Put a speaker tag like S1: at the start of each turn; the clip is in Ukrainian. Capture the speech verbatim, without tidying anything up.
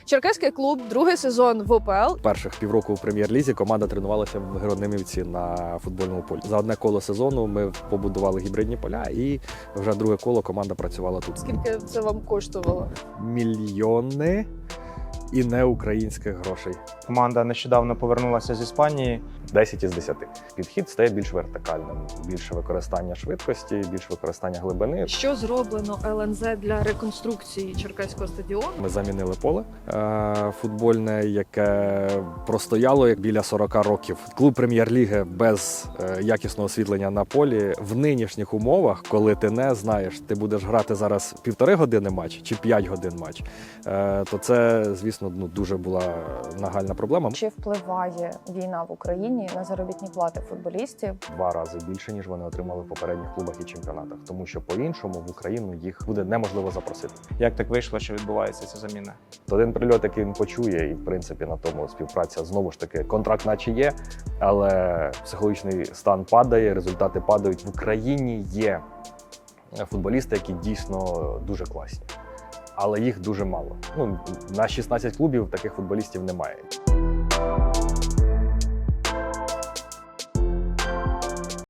S1: Черкаський клуб, другий сезон в УПЛ.
S2: Перших півроку у прем'єр-лізі команда тренувалася в Героднимівці на футбольному полі. За одне коло сезону ми побудували гібридні поля, і вже друге коло команда працювала тут.
S1: Скільки це вам коштувало?
S2: Мільйони і не українських грошей.
S3: Команда нещодавно повернулася з Іспанії.
S2: десять із десяти. Підхід стає більш вертикальним. Більше використання швидкості, більше використання глибини.
S1: Що зроблено ел ен зет для реконструкції Черкаського стадіону?
S2: Ми замінили поле е, футбольне, яке простояло як біля сорок років. Клуб прем'єр-ліги без е, якісного освітлення на полі в нинішніх умовах, коли ти не знаєш, ти будеш грати зараз півтори години матч чи п'ять годин матч, е, то це, звісно, ну, дуже була нагальна проблема.
S4: Чи впливає війна в Україні на заробітні плати футболістів?
S2: Два рази більше, ніж вони отримали в попередніх клубах і чемпіонатах. Тому що по-іншому в Україну їх буде неможливо запросити.
S3: Як так вийшло, що відбувається ця заміна?
S2: Один прильот, який він почує, і в принципі на тому співпраця знову ж таки контракт наче є, але психологічний стан падає, результати падають. В Україні є футболісти, які дійсно дуже класні, але їх дуже мало. Ну, на шістнадцять клубів таких футболістів немає.